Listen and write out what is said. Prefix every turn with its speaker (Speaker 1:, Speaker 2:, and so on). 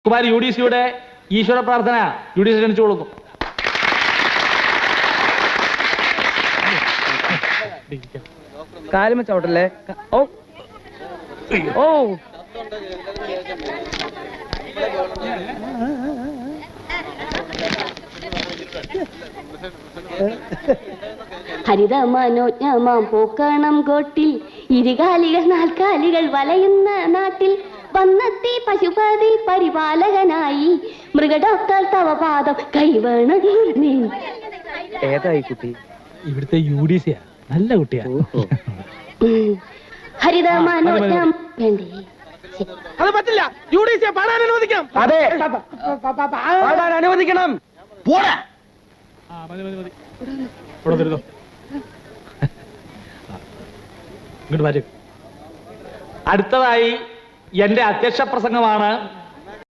Speaker 1: കുമാരി UDCയുടെ ഈശ്വര പ്രാർത്ഥന UDC ക്ഷണിച്ചു കൊടുക്കും.
Speaker 2: കാലുമ ചവിട്ടല്ലേ. ഓ ഓ
Speaker 3: ഹരിതമനോജ്ഞമാം പൂക്കണം കോട്ടിൽ ഇരുകാലികൾ നാൽക്കാലികൾ വലയുന്ന നാട്ടിൽ വന്നെത്തി പശുപതി പരിപാലകനായി മൃഗഡോക്ടർ തവ പാദം കൈവേണം.
Speaker 2: ഏതായി കുട്ടി?
Speaker 1: ഇവിടുത്തെ UDC നല്ല കുട്ടിയാ.
Speaker 3: ഹരിതമനോജ്ഞം വേണ്ടേ?
Speaker 2: അത് പറ്റില്ല. UDC പാടാൻ അനുവദിക്കണം. അതെ, പാടാൻ അനുവദിക്കണം. പോടാ.
Speaker 1: ഇങ്ങോട്ട് വരും. അടുത്തതായി എന്റെ അധ്യക്ഷ പ്രസംഗമാണ്.